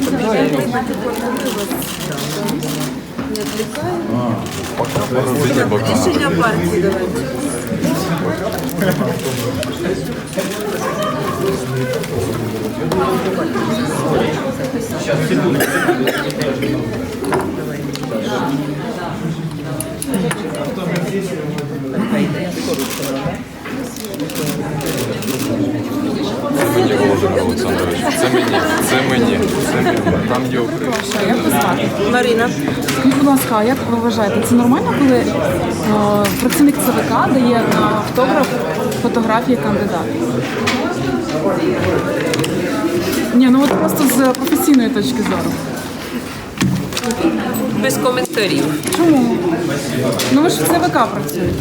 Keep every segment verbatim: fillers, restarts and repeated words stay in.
Рішення партії давайте. Мені, Володимир Олександрович, це мені, це мені, це мені. Там є Україна. Як ви звати? Марина. Скажіть, будь ласка, а як ви вважаєте, це нормально, коли е, працівник ЦВК дає на автограф фотографії кандидата? Ні, ну от просто з професійної точки зору. Без коментарів. Чому? Ну ви ж в ЦВК працюєте.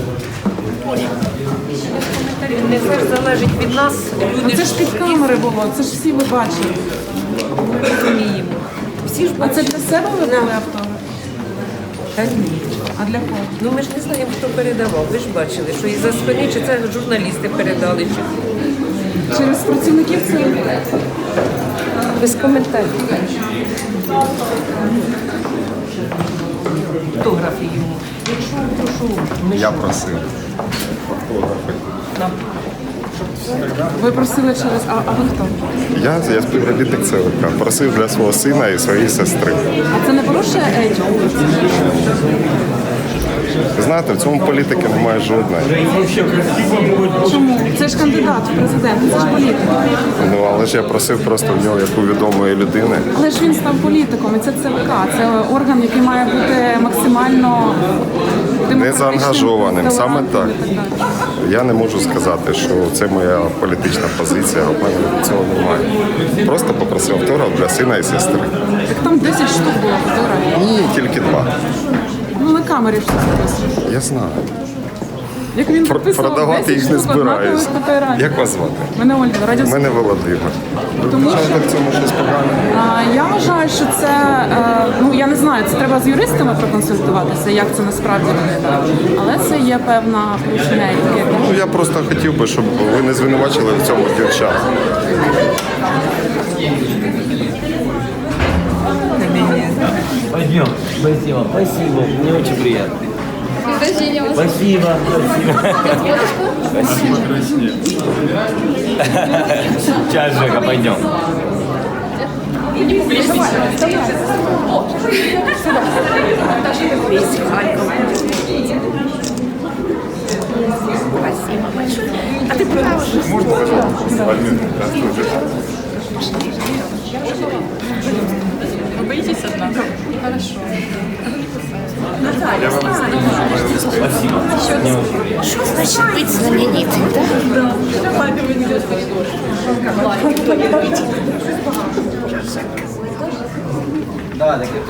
Не все ж залежить від нас. Ну, Люди це ж під камери було, це ж всі ви бачили. розуміємо. Всі ж А це для себе ви дали автограф? Та ні. А для кого? Ну ми ж не знаємо, хто передавав. Ви ж бачили, що із-за спини, чи це журналісти передали, чи Через працівників ЦВК? без коментарів. Фотографії йому. Якщо прошу, ми Я що? просив. Ви просили через... А, а ви хто? Я, я співробітник ЦВК. Просив для свого сина і своєї сестри. А це не порушує етику? Ви знаєте, в цьому політики немає жодної. Чому? Це ж кандидат в президенти, це ж політик. Ну, але ж я просив просто в нього, як у відомої людини. Але ж він став політиком, і це ЦВК. Це орган, який має бути максимально демократичним, Незаангажованим, саме так. толерантним і так далі. Я не можу сказати, що це моя політична позиція, а в мене цього немає. Просто попросив автограф для сина і сестри. Так там десять штук було фотографій. Ні, тільки два. Ну на камері все записано. Я знаю. Як він Про- підписував Продавати десять їх не штук однакових збираюсь. фотографій. Як вас звати? Мене Ольга, радіо. Мене Володимир. Тому що В цьому щось погане. а, я вважаю, що це, е, ну я не знаю, це треба з юристами проконсультуватися, як це насправді виглядає. Але це є певна порушення етики. Ну, я просто хотів би, щоб ви не звинувачили в цьому дівчат. Пойдем. Спасибо. Спасибо. Мне очень приятно. Спасибо. Спасибо. Сейчас, Жека, пойдем. А ти продовжуєш? Ви боїтесь однако? Хорошо. Спасибо. Что значит быть знаменитым, да? Да, так это...